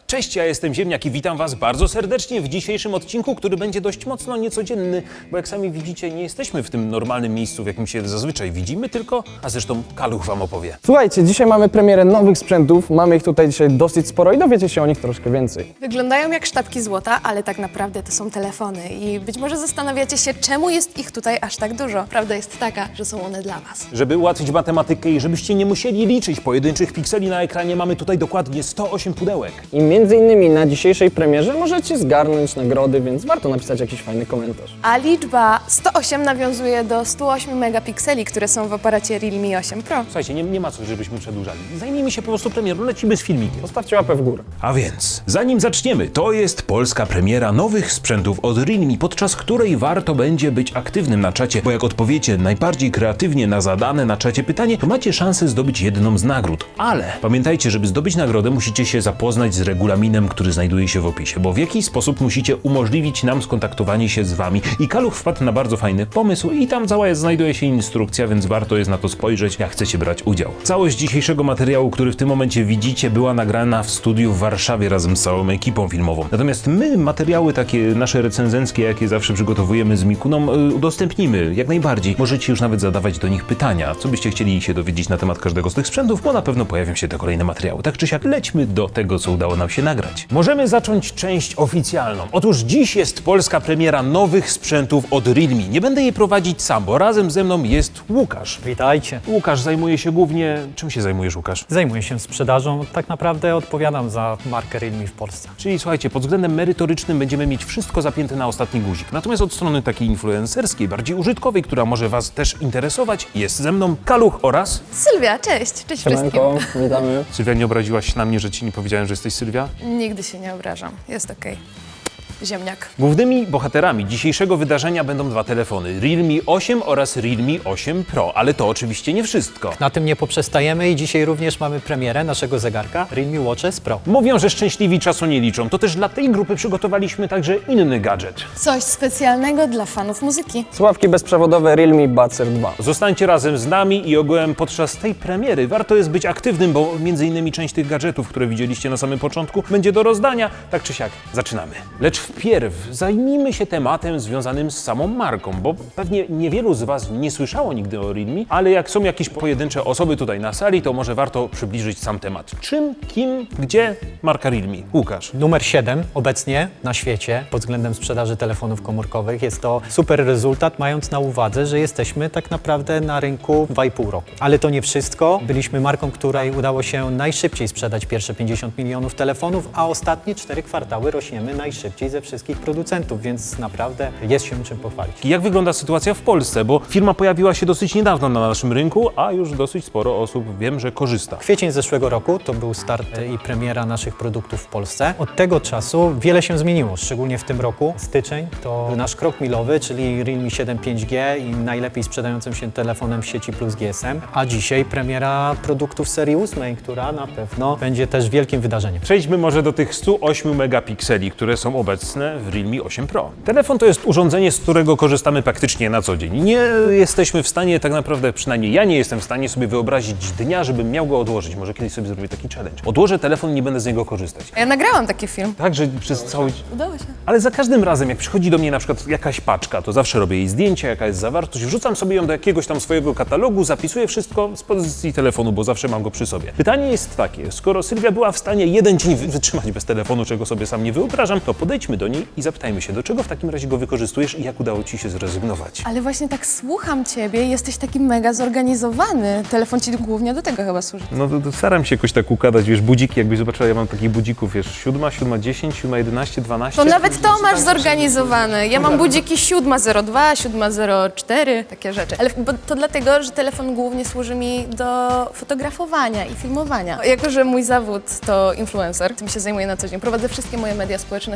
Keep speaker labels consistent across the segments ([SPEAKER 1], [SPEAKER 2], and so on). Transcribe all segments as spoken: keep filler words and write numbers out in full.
[SPEAKER 1] Cześć, ja jestem Ziemniak i witam Was bardzo serdecznie w dzisiejszym odcinku, który będzie dość mocno niecodzienny, bo jak sami widzicie, nie jesteśmy w tym normalnym miejscu, w jakim się zazwyczaj widzimy, tylko, a zresztą Kaluch Wam opowie.
[SPEAKER 2] Słuchajcie, dzisiaj mamy premierę nowych sprzętów, mamy ich tutaj dzisiaj dosyć sporo i dowiecie się o nich troszkę więcej.
[SPEAKER 3] Wyglądają jak sztabki złota, ale tak naprawdę to są telefony i być może zastanawiacie się, czemu jest ich tutaj aż tak dużo. Prawda jest taka, że są one dla Was.
[SPEAKER 1] Żeby ułatwić matematykę i żebyście nie musieli liczyć pojedynczych pikseli na ekranie, mamy tutaj dokładnie sto osiem pudełek.
[SPEAKER 2] I między innymi na dzisiejszej premierze możecie zgarnąć nagrody, więc warto napisać jakiś fajny komentarz.
[SPEAKER 3] A liczba sto osiem nawiązuje do stu ośmiu megapikseli, które są w aparacie Realme osiem Pro.
[SPEAKER 1] Słuchajcie, nie, nie ma co, żebyśmy przedłużali. Zajmijmy się po prostu premierą, lecimy z filmikiem.
[SPEAKER 2] Zostawcie łapę w górę.
[SPEAKER 1] A więc, zanim zaczniemy, to jest polska premiera nowych sprzętów od Realme, podczas której warto będzie być aktywnym na czacie, bo jak odpowiecie najbardziej kreatywnie na zadane na czacie pytanie, to macie szansę zdobyć jedną z nagród. Ale pamiętajcie, żeby zdobyć nagrodę, musicie się zapoznać z regulaminem, który znajduje się w opisie, bo w jakiś sposób musicie umożliwić nam skontaktowanie się z Wami. I Kaluch wpadł na bardzo fajny pomysł i tam cała jest, znajduje się instrukcja, więc warto jest na to spojrzeć, jak chcecie brać udział. Całość dzisiejszego materiału, który w tym momencie widzicie, była nagrana w studiu w Warszawie razem z całą ekipą filmową. Natomiast my materiały takie nasze recenzenckie, jakie zawsze przygotowujemy z Mikuną, y, udostępnimy jak najbardziej. Możecie już nawet zadawać do nich pytania, co byście chcieli się dowiedzieć na temat każdego z tych sprzętów, bo na pewno pojawią się te kolejne materiały. Tak czy siak, lećmy do tego, co udało nam się nagrać. Możemy zacząć część oficjalną. Otóż dziś jest polska premiera nowych sprzętów od Realme. Nie będę jej prowadzić sam, bo razem ze mną jest Łukasz.
[SPEAKER 4] Witajcie.
[SPEAKER 1] Łukasz zajmuje się głównie... Czym się zajmujesz, Łukasz?
[SPEAKER 4] Zajmuję się sprzedażą, tak naprawdę odpowiadam za markę Realme w Polsce.
[SPEAKER 1] Czyli słuchajcie, pod względem merytorycznym będziemy mieć wszystko zapięte na ostatni guzik. Natomiast od strony takiej influencerskiej, bardziej użytkowej, która może Was też interesować, jest ze mną Kaluch oraz...
[SPEAKER 3] Sylwia, cześć! Cześć wszystkim!
[SPEAKER 2] Siemanko, witamy.
[SPEAKER 1] Sylwia, nie obraziłaś się na mnie, że Ci nie powiedziałem, że jesteś Sylwia?
[SPEAKER 3] Nigdy się nie obrażam, jest okej. Ziemniak.
[SPEAKER 1] Głównymi bohaterami dzisiejszego wydarzenia będą dwa telefony, Realme osiem oraz Realme osiem Pro, ale to oczywiście nie wszystko.
[SPEAKER 4] Na tym nie poprzestajemy i dzisiaj również mamy premierę naszego zegarka Realme Watch S Pro.
[SPEAKER 1] Mówią, że szczęśliwi czasu nie liczą, to też dla tej grupy przygotowaliśmy także inny gadżet.
[SPEAKER 3] Coś specjalnego dla fanów muzyki.
[SPEAKER 2] Słuchawki bezprzewodowe Realme Buds R dwa.
[SPEAKER 1] Zostańcie razem z nami i ogółem podczas tej premiery warto jest być aktywnym, bo między innymi część tych gadżetów, które widzieliście na samym początku, będzie do rozdania. Tak czy siak, zaczynamy. Lecz wpierw zajmijmy się tematem związanym z samą marką, bo pewnie niewielu z Was nie słyszało nigdy o Realme, ale jak są jakieś pojedyncze osoby tutaj na sali, to może warto przybliżyć sam temat. Czym, kim, gdzie marka Realme? Łukasz.
[SPEAKER 4] Numer siedem obecnie na świecie pod względem sprzedaży telefonów komórkowych. Jest to super rezultat, mając na uwadze, że jesteśmy tak naprawdę na rynku dwa i pół roku. Ale to nie wszystko. Byliśmy marką, której udało się najszybciej sprzedać pierwsze pięćdziesiąt milionów telefonów, a ostatnie cztery kwartały rośniemy najszybciej ze wszystkich producentów, więc naprawdę jest się czym pochwalić.
[SPEAKER 1] Jak wygląda sytuacja w Polsce? Bo firma pojawiła się dosyć niedawno na naszym rynku, a już dosyć sporo osób wiem, że korzysta.
[SPEAKER 4] Kwiecień zeszłego roku to był start i premiera naszych produktów w Polsce. Od tego czasu wiele się zmieniło, szczególnie w tym roku. Styczeń to nasz krok milowy, czyli Realme siedem pięć G i najlepiej sprzedającym się telefonem w sieci plus G S M. A dzisiaj premiera produktów serii ósmej, która na pewno będzie też wielkim wydarzeniem.
[SPEAKER 1] Przejdźmy może do tych stu ośmiu megapikseli, które są obecne w Realme osiem Pro. Telefon to jest urządzenie, z którego korzystamy praktycznie na co dzień. Nie jesteśmy w stanie, tak naprawdę przynajmniej ja nie jestem w stanie sobie wyobrazić dnia, żebym miał go odłożyć. Może kiedyś sobie zrobię taki challenge. Odłożę telefon i nie będę z niego korzystać.
[SPEAKER 3] Ja nagrałam taki film.
[SPEAKER 1] Tak, że przez cały...
[SPEAKER 3] Udało się.
[SPEAKER 1] Ale za każdym razem, jak przychodzi do mnie na przykład jakaś paczka, to zawsze robię jej zdjęcie, jaka jest zawartość, wrzucam sobie ją do jakiegoś tam swojego katalogu, zapisuję wszystko z pozycji telefonu, bo zawsze mam go przy sobie. Pytanie jest takie, skoro Sylwia była w stanie jeden dzień wytrzymać bez telefonu, czego sobie sam nie wyobrażam, to podejdźmy do niej i zapytajmy się, do czego w takim razie go wykorzystujesz i jak udało Ci się zrezygnować.
[SPEAKER 3] Ale właśnie tak słucham Ciebie, jesteś taki mega zorganizowany. Telefon Ci głównie do tego chyba służy.
[SPEAKER 1] No to, to staram się jakoś tak układać, wiesz, budziki, jakbyś zobaczyła, ja mam takich budzików, wiesz, siódma, siódma dziesięć, siódma jedenaście, dwanaście.
[SPEAKER 3] To nawet to masz zorganizowane. Ja mam budziki siódma zero dwa, siódma zero cztery, takie rzeczy. Ale bo to dlatego, że telefon głównie służy mi do fotografowania i filmowania. Jako że mój zawód to influencer, tym się zajmuję na co dzień. Prowadzę wszystkie moje media społecznościowe z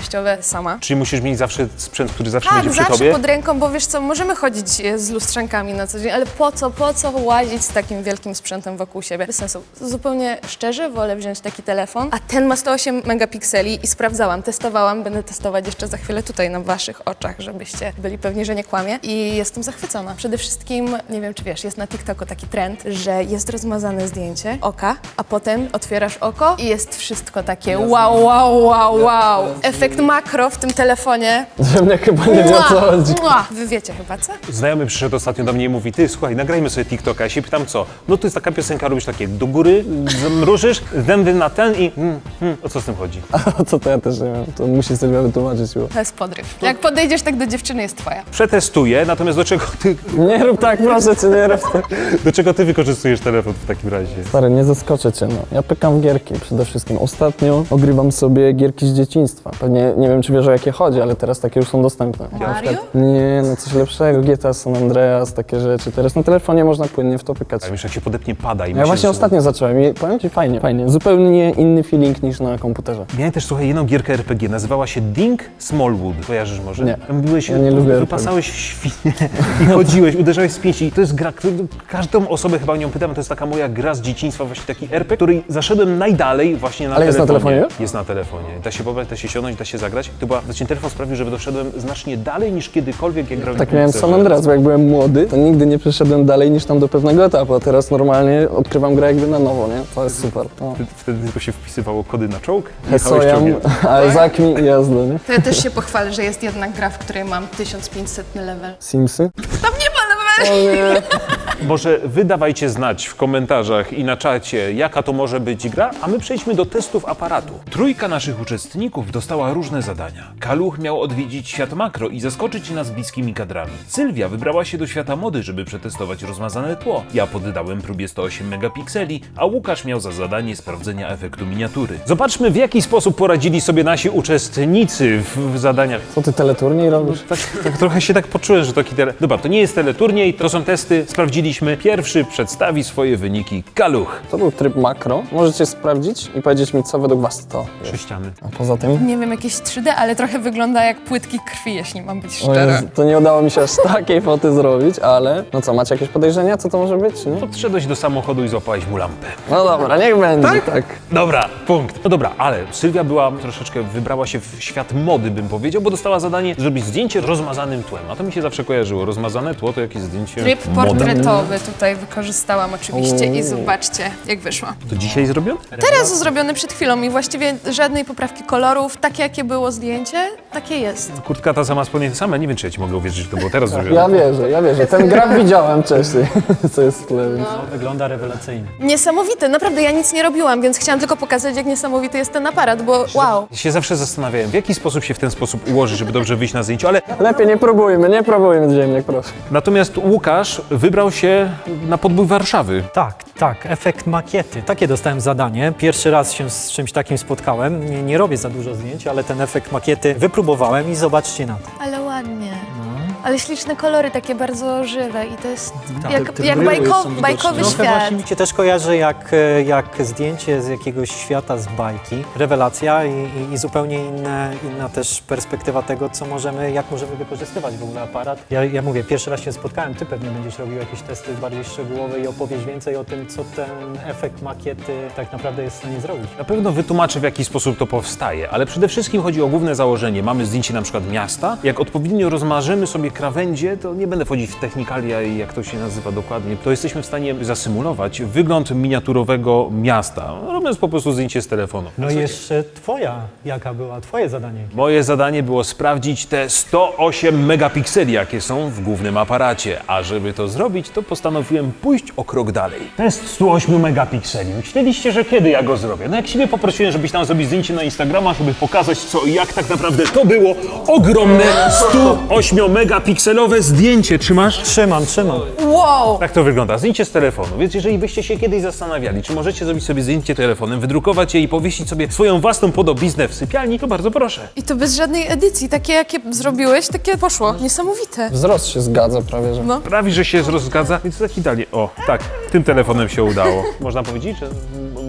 [SPEAKER 3] sama.
[SPEAKER 1] Czyli musisz mieć zawsze sprzęt, który zawsze
[SPEAKER 3] Tak,
[SPEAKER 1] będzie przy
[SPEAKER 3] zawsze
[SPEAKER 1] tobie?
[SPEAKER 3] pod ręką, bo wiesz co, możemy chodzić e, z lustrzankami na co dzień, ale po co, po co łazić z takim wielkim sprzętem wokół siebie? Bez sensu. Zupełnie szczerze wolę wziąć taki telefon, a ten ma sto osiem megapikseli i sprawdzałam, testowałam, będę testować jeszcze za chwilę tutaj na waszych oczach, żebyście byli pewni, że nie kłamię i jestem zachwycona. Przede wszystkim, nie wiem czy wiesz, jest na TikToku taki trend, że jest rozmazane zdjęcie oka, a potem otwierasz oko i jest wszystko takie wow, wow, wow, wow. Efekt makro w tym telefonie.
[SPEAKER 2] Że mnie chyba nie wie o co chodzi.
[SPEAKER 3] Mua. Wy wiecie chyba, co?
[SPEAKER 1] Znajomy przyszedł ostatnio do mnie i mówi, ty słuchaj, nagrajmy sobie TikToka. Ja się pytam co? No to jest taka piosenka, robisz takie do góry, mrużysz, zęby na ten i mm, mm, o co z tym chodzi?
[SPEAKER 2] A co to ja też nie wiem, to musi Sylwia wytłumaczyć. Bo...
[SPEAKER 3] To jest podryw. Jak podejdziesz tak do dziewczyny, jest twoja.
[SPEAKER 1] Przetestuję, natomiast do czego ty,
[SPEAKER 2] Nie rób tak, proszę cię, nie rób tak.
[SPEAKER 1] do czego ty wykorzystujesz telefon w takim razie?
[SPEAKER 2] Stary, nie zaskoczę cię, no. Ja pykam w gierki przede wszystkim. Ostatnio ogrywam sobie gierki z dzieciństwa. Pewnie nie wiem, czy wiesz o jakie chodzi, ale teraz takie już są dostępne.
[SPEAKER 3] Mario?
[SPEAKER 2] Nie, no coś lepszego, G T A San Andreas, takie rzeczy. Teraz na telefonie można płynnie w to pykać.
[SPEAKER 1] A już jak się podepnie pada i
[SPEAKER 2] Ja
[SPEAKER 1] myślisz,
[SPEAKER 2] właśnie
[SPEAKER 1] że-
[SPEAKER 2] ostatnio zacząłem i powiem ci fajnie, fajnie. Zupełnie inny feeling niż na komputerze.
[SPEAKER 1] Miałem też, słuchaj, jedną gierkę R P G, nazywała się Ding Smallwood. Kojarzysz może?
[SPEAKER 2] Nie.
[SPEAKER 1] Tam byłeś,
[SPEAKER 2] Ja nie lubię R P G.
[SPEAKER 1] wypasałeś świnie i chodziłeś, uderzałeś z pięści. I to jest gra, którą każdą osobę chyba o nią pytam, to jest taka moja gra z dzieciństwa, właśnie taki R P G, której zaszedłem najdalej właśnie na
[SPEAKER 2] Ale jest na
[SPEAKER 1] telefonie.
[SPEAKER 2] telefonie już?
[SPEAKER 1] Jest na telefonie. Da się pobrać, da się siąść, da się zagrać. To była, znaczy telefon sprawił, że doszedłem znacznie dalej niż kiedykolwiek, jak grałem
[SPEAKER 2] Tak
[SPEAKER 1] w
[SPEAKER 2] miałem z
[SPEAKER 1] komputerze.
[SPEAKER 2] San Andreas, bo jak byłem młody, to nigdy nie przeszedłem dalej niż tam do pewnego etapu, a teraz normalnie odkrywam grę jakby na nowo, nie? To jest super. No.
[SPEAKER 1] Wtedy- Wtedy tylko się wpisywało kody na czołg i jechałeś
[SPEAKER 2] Hesojam,
[SPEAKER 1] czołgiem.
[SPEAKER 2] ale zakmi i jazda, nie?
[SPEAKER 3] To ja też się pochwalę, że jest jedna gra, w której mam tysiąc pięćset level.
[SPEAKER 2] Simsy?
[SPEAKER 3] Tam nie ma level!
[SPEAKER 2] O nie.
[SPEAKER 1] Może wy dawajcie znać w komentarzach i na czacie, jaka to może być gra, a my przejdźmy do testów aparatu. Trójka naszych uczestników dostała różne zadania. Kaluch miał odwiedzić świat makro i zaskoczyć nas bliskimi kadrami. Sylwia wybrała się do świata mody, żeby przetestować rozmazane tło. Ja poddałem próbie sto osiem megapikseli, a Łukasz miał za zadanie sprawdzenia efektu miniatury. Zobaczmy, w jaki sposób poradzili sobie nasi uczestnicy w, w zadaniach.
[SPEAKER 2] Co ty teleturniej robisz?
[SPEAKER 1] Tak, tak trochę się tak poczułem, że to tele... Dobra, to nie jest teleturniej, to są testy, sprawdziliśmy. Pierwszy przedstawi swoje wyniki Kaluch.
[SPEAKER 2] To był tryb makro. Możecie sprawdzić i powiedzieć mi, co według was to jest.
[SPEAKER 1] Sześciany.
[SPEAKER 2] A poza tym?
[SPEAKER 3] Nie wiem, jakieś trzy D, ale trochę wygląda jak płytki krwi, jeśli mam być
[SPEAKER 2] O
[SPEAKER 3] szczera.
[SPEAKER 2] Jezu, to nie udało mi się aż takiej foty zrobić, ale... No co, macie jakieś podejrzenia, co to może być, czy nie?
[SPEAKER 1] Podszedłeś do samochodu i złapałeś mu lampę.
[SPEAKER 2] No dobra, niech będzie, tak.
[SPEAKER 1] Dobra, punkt. No dobra, ale Sylwia była troszeczkę, wybrała się w świat mody, bym powiedział, bo dostała zadanie zrobić zdjęcie rozmazanym tłem. A to mi się zawsze kojarzyło. Rozmazane tło to jakieś zdjęcie
[SPEAKER 3] Tryb
[SPEAKER 1] moda.
[SPEAKER 3] portretowy tutaj wykorzystałam oczywiście i zobaczcie, jak wyszło.
[SPEAKER 1] To dzisiaj zrobione?
[SPEAKER 3] Teraz zrobiony przed chwilą i właściwie żadnej poprawki kolorów. Takie, jakie było zdjęcie, takie jest.
[SPEAKER 1] Kurtka ta sama, spodnie te same. Nie wiem, czy ja ci mogę uwierzyć, że to było teraz zrobione.
[SPEAKER 2] Ja wierzę, ja wierzę. Ten graf widziałem wcześniej, co jest w tle, więc...
[SPEAKER 4] Wygląda rewelacyjnie.
[SPEAKER 3] Niesamowite, naprawdę ja nic nie robiłam, więc chciałam tylko pokazać, jak niesamowity jest ten aparat, bo wow.
[SPEAKER 1] Ja się zawsze zastanawiałem, w jaki sposób się w ten sposób ułożyć, żeby dobrze wyjść na zdjęciu, ale
[SPEAKER 2] Lepiej nie próbujmy, nie próbujmy, ziemniak, proszę.
[SPEAKER 1] natomiast Łukasz wybrał się na podbój Warszawy.
[SPEAKER 4] Tak, tak, efekt makiety. Takie dostałem zadanie. Pierwszy raz się z czymś takim spotkałem. Nie, nie robię za dużo zdjęć, ale ten efekt makiety wypróbowałem i zobaczcie na to.
[SPEAKER 3] Ale ładnie. Ale śliczne kolory, takie bardzo żywe i to jest
[SPEAKER 2] te-
[SPEAKER 3] jak,
[SPEAKER 2] te
[SPEAKER 3] jak
[SPEAKER 2] bryły
[SPEAKER 3] bajko,
[SPEAKER 2] są widoczne.
[SPEAKER 3] bajkowy
[SPEAKER 4] Trochę
[SPEAKER 3] świat.
[SPEAKER 4] właśnie mi się też kojarzy jak, e, jak zdjęcie z jakiegoś świata z bajki. Rewelacja i, i, i zupełnie inne, inna też perspektywa tego, co możemy, jak możemy wykorzystywać w ogóle aparat. Ja, ja mówię, pierwszy raz się spotkałem, ty pewnie będziesz robił jakieś testy bardziej szczegółowe i opowiesz więcej o tym, co ten efekt makiety tak naprawdę jest w stanie zrobić.
[SPEAKER 1] Na pewno wytłumaczę, w jaki sposób to powstaje, ale przede wszystkim chodzi o główne założenie. Mamy zdjęcie na przykład miasta. Jak odpowiednio rozmarzymy sobie krawędzie, to nie będę wchodzić w technikalia i jak to się nazywa dokładnie, to jesteśmy w stanie zasymulować wygląd miniaturowego miasta, robiąc po prostu zdjęcie z telefonu.
[SPEAKER 4] No i jeszcze twoja, jaka była twoje zadanie?
[SPEAKER 1] Moje zadanie było sprawdzić te sto osiem megapikseli, jakie są w głównym aparacie, a żeby to zrobić, to postanowiłem pójść o krok dalej. Test stu ośmiu megapikseli. Myśleliście, że kiedy ja go zrobię? No jak siebie poprosiłem, żebyś tam zrobić zdjęcie na Instagrama, żeby pokazać co i jak tak naprawdę to było ogromne stu ośmiu megapikselowe zdjęcie. Trzymasz?
[SPEAKER 4] Trzymam, trzymam.
[SPEAKER 3] Wow!
[SPEAKER 1] Tak to wygląda. Zdjęcie z telefonu. Więc jeżeli byście się kiedyś zastanawiali, czy możecie zrobić sobie zdjęcie telefonem, wydrukować je i powiesić sobie swoją własną podobiznę w sypialni, to bardzo proszę.
[SPEAKER 3] I to bez żadnej edycji. Takie, jakie zrobiłeś, takie poszło. Niesamowite.
[SPEAKER 2] Wzrost się zgadza prawie, że...
[SPEAKER 3] No.
[SPEAKER 1] Prawie, że się rozgadza, więc taki dalej. O, tak, tym telefonem się udało. Można powiedzieć, że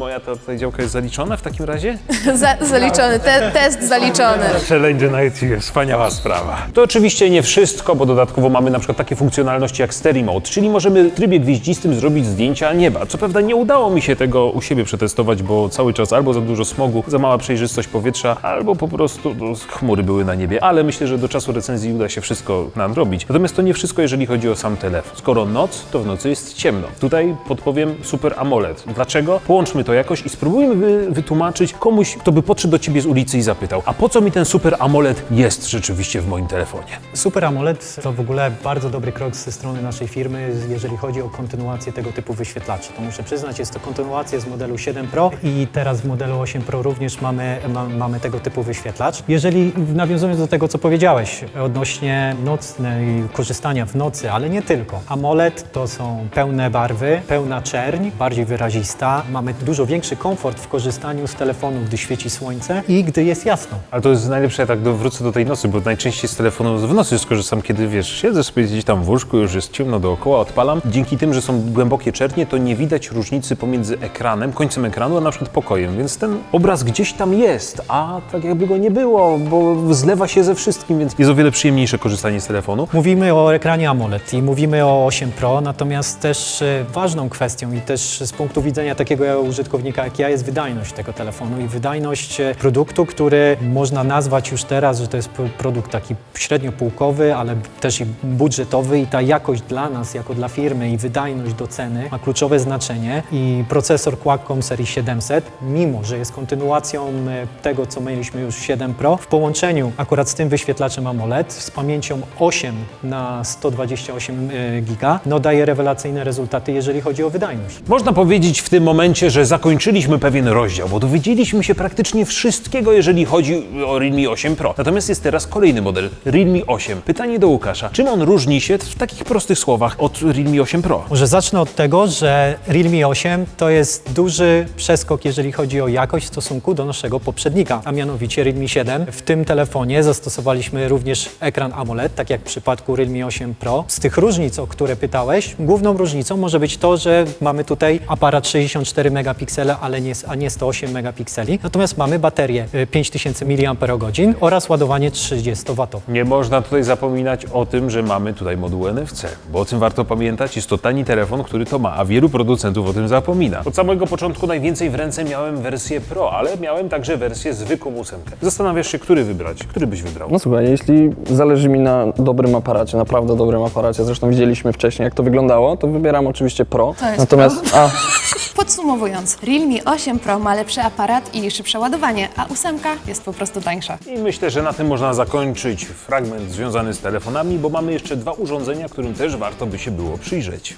[SPEAKER 1] moja ta tutaj działka jest zaliczona w takim razie?
[SPEAKER 3] Za, zaliczony, te, test zaliczony.
[SPEAKER 1] Challenge na YouTube, wspaniała sprawa. To oczywiście nie wszystko, bo dodatkowo mamy na przykład takie funkcjonalności jak Stereo Mode, czyli możemy w trybie gwieździstym zrobić zdjęcia nieba. Co prawda nie udało mi się tego u siebie przetestować, bo cały czas albo za dużo smogu, za mała przejrzystość powietrza, albo po prostu no, chmury były na niebie, ale myślę, że do czasu recenzji uda się wszystko nadrobić. Natomiast to nie wszystko, jeżeli chodzi o sam telefon. Skoro noc, to w nocy jest ciemno. Tutaj podpowiem Super AMOLED. Dlaczego? Połączmy to jakoś i spróbujmy wy, wytłumaczyć komuś, kto by podszedł do ciebie z ulicy i zapytał, a po co mi ten Super AMOLED jest rzeczywiście w moim telefonie?
[SPEAKER 4] Super AMOLED to w ogóle bardzo dobry krok ze strony naszej firmy, jeżeli chodzi o kontynuację tego typu wyświetlaczy. To muszę przyznać, jest to kontynuacja z modelu siedem Pro i teraz w modelu osiem Pro również mamy, ma, mamy tego typu wyświetlacz. Jeżeli nawiązując do tego, co powiedziałeś odnośnie nocnej, korzystania w nocy, ale nie tylko. AMOLED to są pełne barwy, pełna czerń, bardziej wyrazista. Mamy dużo większy komfort w korzystaniu z telefonu, gdy świeci słońce i gdy jest jasno.
[SPEAKER 1] Ale to jest najlepsze, ja tak do, wrócę do tej nocy, bo najczęściej z telefonu w nocy skorzystam, kiedy wiesz, siedzę sobie gdzieś tam w łóżku, już jest ciemno dookoła, odpalam. Dzięki tym, że są głębokie czernie, to nie widać różnicy pomiędzy ekranem, końcem ekranu, a na przykład pokojem, więc ten obraz gdzieś tam jest, a tak jakby go nie było, bo zlewa się ze wszystkim, więc jest o wiele przyjemniejsze korzystanie z telefonu.
[SPEAKER 4] Mówimy o ekranie AMOLED i mówimy o osiem Pro, natomiast też e, ważną kwestią i też z punktu widzenia takiego użytkownika jak ja jest wydajność tego telefonu i wydajność e, produktu, który można nazwać już teraz, że to jest p- produkt taki średnio półkowy, ale też i budżetowy i ta jakość dla nas, jako dla firmy i wydajność do ceny ma kluczowe znaczenie i procesor Qualcomm serii siedemset, mimo że jest kontynuacją e, tego, co mieliśmy już w siedem Pro, w połączeniu akurat z tym wyświetlaczem AMOLED z pamięcią osiem na sto dwadzieścia osiem giga, no daje rewelacyjne rezultaty, jeżeli chodzi o wydajność.
[SPEAKER 1] Można powiedzieć w tym momencie, że zakończyliśmy pewien rozdział, bo dowiedzieliśmy się praktycznie wszystkiego, jeżeli chodzi o Realme osiem Pro. Natomiast jest teraz kolejny model, Realme osiem. Pytanie do Łukasza, czym on różni się w takich prostych słowach od Realme osiem Pro?
[SPEAKER 4] Może zacznę od tego, że Realme osiem to jest duży przeskok, jeżeli chodzi o jakość w stosunku do naszego poprzednika, a mianowicie Realme siedem. W tym telefonie zastosowaliśmy również ekran AMOLED, tak jak w przypadku Realme osiem Pro. Z tych różnic, o które pytałeś, główną różnicą może być to, że mamy tutaj aparat sześćdziesiąt cztery megapiksele, ale nie, a nie sto osiem megapikseli. Natomiast mamy baterię y, pięć tysięcy miliamperogodzin oraz ładowanie trzydziestowatowe.
[SPEAKER 1] Nie można tutaj zapominać o tym, że mamy tutaj moduł N F C, bo o tym warto pamiętać, jest to tani telefon, który to ma, a wielu producentów o tym zapomina. Od samego początku najwięcej w ręce miałem wersję Pro, ale miałem także wersję zwykłą ósemkę. Zastanawiasz się, który wybrać? Który byś wybrał?
[SPEAKER 2] No słuchaj, jeśli zależy mi na dobrym aparacie, naprawdę dobrym aparacie, zresztą widzieliśmy wcześniej, jak to wyglądało, to wybieram oczywiście Pro.
[SPEAKER 3] To jest
[SPEAKER 2] Natomiast, a,
[SPEAKER 3] Podsumowując, Realme osiem Pro ma lepszy aparat i szybsze ładowanie, a ósemka jest po prostu tańsza.
[SPEAKER 1] I myślę, że na tym można zakończyć fragment związany z telefonami, bo mamy jeszcze dwa urządzenia, którym też warto by się było przyjrzeć.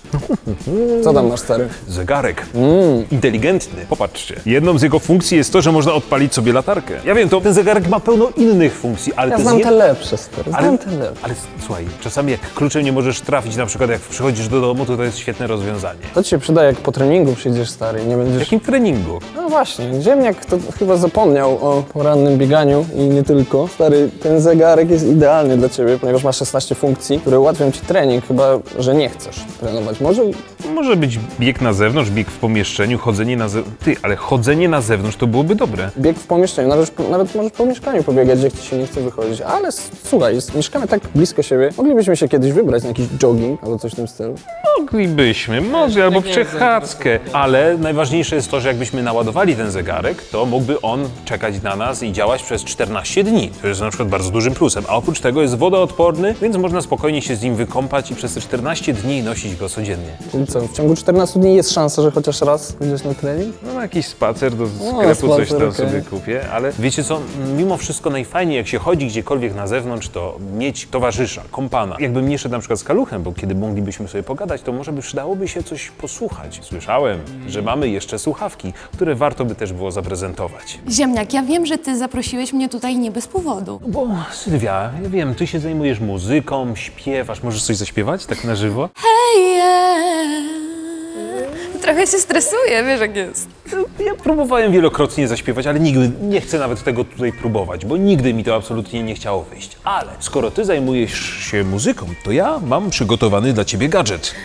[SPEAKER 2] co tam masz, stary?
[SPEAKER 1] Zegarek. Mm. Inteligentny. Popatrzcie. Jedną z jego funkcji jest to, że można odpalić sobie latarkę. Ja wiem, to ten zegarek ma pełno innych funkcji, ale
[SPEAKER 2] Ja
[SPEAKER 1] to
[SPEAKER 2] znam
[SPEAKER 1] jest
[SPEAKER 2] te
[SPEAKER 1] jed-
[SPEAKER 2] lepsze, stary, znam
[SPEAKER 1] Ale,
[SPEAKER 2] te lepsze.
[SPEAKER 1] ale słuchaj, czasami jak kluczem nie możesz trafić, na przykład jak przychodzisz do domu, to to jest świetne rozwiązanie.
[SPEAKER 2] To ci się przyda, jak po treningu przyjdziesz, stary, i nie
[SPEAKER 1] W
[SPEAKER 2] będziesz...
[SPEAKER 1] jakim treningu?
[SPEAKER 2] No właśnie, ziemniak to chyba zapomniał o porannym bieganiu i nie tylko. Stary, ten zegarek jest idealny dla ciebie, ponieważ ma szesnaście funkcji, które ułatwią ci trening, chyba że nie chcesz trenować. Może
[SPEAKER 1] Może być bieg na zewnątrz, bieg w pomieszczeniu, chodzenie na zewnątrz. Ty, ale chodzenie na zewnątrz to byłoby dobre.
[SPEAKER 2] bieg w pomieszczeniu, nawet, nawet możesz po mieszkaniu pobiegać, jak ci się nie chce wychodzić. Ale s- słuchaj, jest, mieszkamy tak blisko siebie, moglibyśmy się kiedyś wybrać na jakiś jogging albo coś w tym stylu.
[SPEAKER 1] Moglibyśmy, może, albo przechadzkę, ale najważniejsze jest to, że jakbyśmy naładowali ten zegarek, to mógłby on czekać na nas i działać przez czternaście dni. To jest na przykład bardzo dużym plusem, a oprócz tego jest wodoodporny, więc można spokojnie się z nim wykąpać i przez te czternaście dni nosić go codziennie.
[SPEAKER 2] Czyli co, w ciągu czternastu dni jest szansa, że chociaż raz pójdziesz na trening?
[SPEAKER 1] No na jakiś spacer do sklepu,
[SPEAKER 2] spacer,
[SPEAKER 1] coś tam
[SPEAKER 2] okej.
[SPEAKER 1] sobie kupię, ale wiecie co, mimo wszystko najfajniej jak się chodzi gdziekolwiek na zewnątrz, to mieć towarzysza, kompana. Jakbym nie szedł na przykład z Kaluchem, bo kiedy moglibyśmy sobie pogadać, to może by przydałoby się coś posłuchać. Słyszałem, że mamy jeszcze słuchawki, które warto by też było zaprezentować.
[SPEAKER 3] Ziemniak, ja wiem, że ty zaprosiłeś mnie tutaj nie bez powodu.
[SPEAKER 1] Bo Sylwia, ja wiem, ty się zajmujesz muzyką, śpiewasz, możesz coś zaśpiewać tak na żywo?
[SPEAKER 3] Hey, yeah. Trochę się stresuję, wiesz jak jest.
[SPEAKER 1] Ja próbowałem wielokrotnie zaśpiewać, ale nigdy nie chcę nawet tego tutaj próbować, bo nigdy mi to absolutnie nie chciało wyjść. Ale skoro ty zajmujesz się muzyką, to ja mam przygotowany dla ciebie gadżet.
[SPEAKER 3] Wow,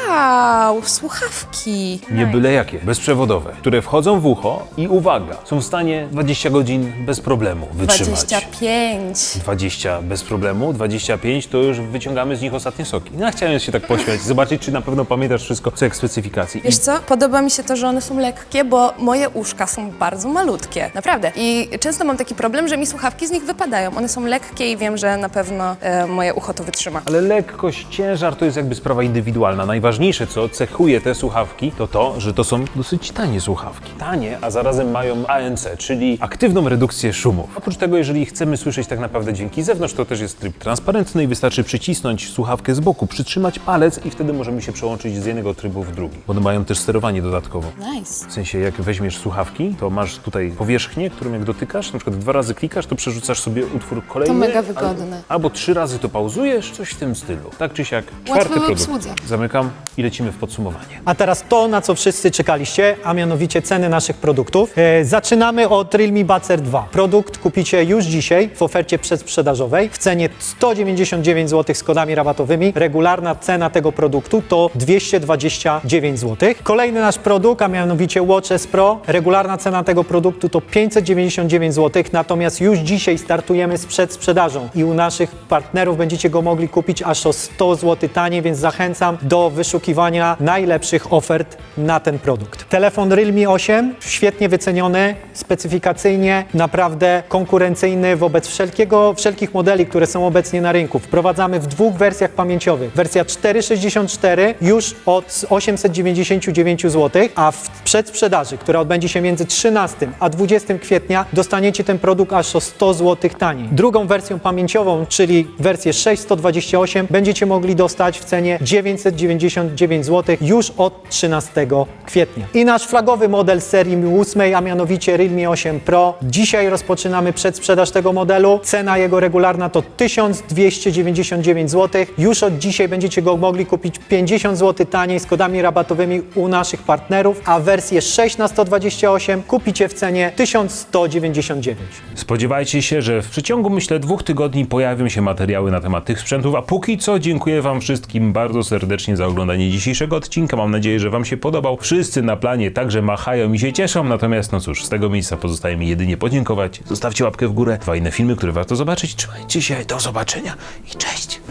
[SPEAKER 3] Wow, słuchawki.
[SPEAKER 1] Nie byle jakie, bezprzewodowe, które wchodzą w ucho i uwaga, są w stanie dwadzieścia godzin bez problemu wytrzymać.
[SPEAKER 3] dwadzieścia pięć.
[SPEAKER 1] dwadzieścia bez problemu, dwadzieścia pięć to już wyciągamy z nich ostatnie soki. No, chciałem się tak pośmiać, zobaczyć, czy na pewno pamiętasz wszystko, co jak specyfikacji.
[SPEAKER 3] Wiesz co? Podoba mi się to, że one są lekkie, bo moje uszka są bardzo malutkie. Naprawdę. I często mam taki problem, że mi słuchawki z nich wypadają. One są lekkie i wiem, że na pewno e, moje ucho to wytrzyma.
[SPEAKER 1] Ale lekkość, ciężar to jest jakby sprawa indywidualna. Najważniejsze, co cechuje te słuchawki, to to, że to są dosyć tanie słuchawki. Tanie, a zarazem mają A N C, czyli aktywną redukcję szumów. Oprócz tego, jeżeli chcemy słyszeć tak naprawdę dźwięki z zewnątrz, to też jest tryb transparentny i wystarczy przycisnąć słuchawkę z boku, przytrzymać palec i wtedy możemy się przełączyć z jednego trybu w drugi. Bo mają też sterowanie dodatkowo.
[SPEAKER 3] Nice.
[SPEAKER 1] W sensie, jak weźmiesz słuchawki, to masz tutaj powierzchnię, którą jak dotykasz, na przykład dwa razy klikasz, to przerzucasz sobie utwór kolejny.
[SPEAKER 3] To mega wygodne.
[SPEAKER 1] Albo, albo trzy razy to pauzujesz, coś w tym stylu. Tak czy siak, czwarty
[SPEAKER 3] w
[SPEAKER 1] produkt.
[SPEAKER 3] obsłudze.
[SPEAKER 1] Zamykam i lecimy w podsumowanie.
[SPEAKER 4] A teraz to, na co wszyscy czekaliście, a mianowicie ceny naszych produktów. E, zaczynamy od Realme Buds R dwa. Produkt kupicie już dzisiaj w ofercie przedsprzedażowej w cenie sto dziewięćdziesiąt dziewięć złotych z kodami rabatowymi. Regularna cena tego produktu to dwieście dwadzieścia dziewięć złotych. Kolejny nasz produkt, a mianowicie Watch S Pro. Regularna cena tego produktu to pięćset dziewięćdziesiąt dziewięć złotych, natomiast już dzisiaj startujemy z przedsprzedażą i u naszych partnerów będziecie go mogli kupić aż o sto złotych taniej, więc zachęcam do wyszukiwania najlepszych ofert na ten produkt. Telefon Realme osiem, świetnie wyceniony, specyfikacyjnie, naprawdę konkurencyjny wobec wszelkiego, wszelkich modeli, które są obecnie na rynku. Wprowadzamy w dwóch wersjach pamięciowych. Wersja czterysta sześćdziesiąt cztery już od osiemset dziewięćdziesiąt dziewięć złotych, a w przedsprzedaży, która odbędzie się między trzynastego a dwudziestego kwietnia, dostaniecie ten produkt aż o sto złotych taniej. Drugą wersją pamięciową, czyli wersję sześćset dwadzieścia osiem, będziecie mogli dostać w cenie dziewięćset dziewięćdziesiąt dziewięć złotych już od trzynastego kwietnia. I nasz flagowy model z serii ósmej, a mianowicie Realme osiem Pro. Dzisiaj rozpoczynamy przedsprzedaż tego modelu. Cena jego regularna to tysiąc dwieście dziewięćdziesiąt dziewięć złotych. Już od dzisiaj będziecie go mogli kupić pięćdziesiąt złotych taniej z kodami rabatowymi u naszych partnerów, a wersję sześć na sto dwadzieścia osiem kupicie w cenie tysiąc sto dziewięćdziesiąt dziewięć.
[SPEAKER 1] Spodziewajcie się, że w przeciągu, myślę, dwóch tygodni pojawią się materiały na temat tych sprzętów, a póki co dziękuję Wam wszystkim bardzo serdecznie za oglądanie dzisiejszego odcinka. Mam nadzieję, że Wam się podobał. Wszyscy na planie także machają i się cieszą, natomiast no cóż, z tego miejsca pozostaje mi jedynie podziękować. Zostawcie łapkę w górę, dwa inne filmy, które warto zobaczyć. Trzymajcie się, do zobaczenia i cześć!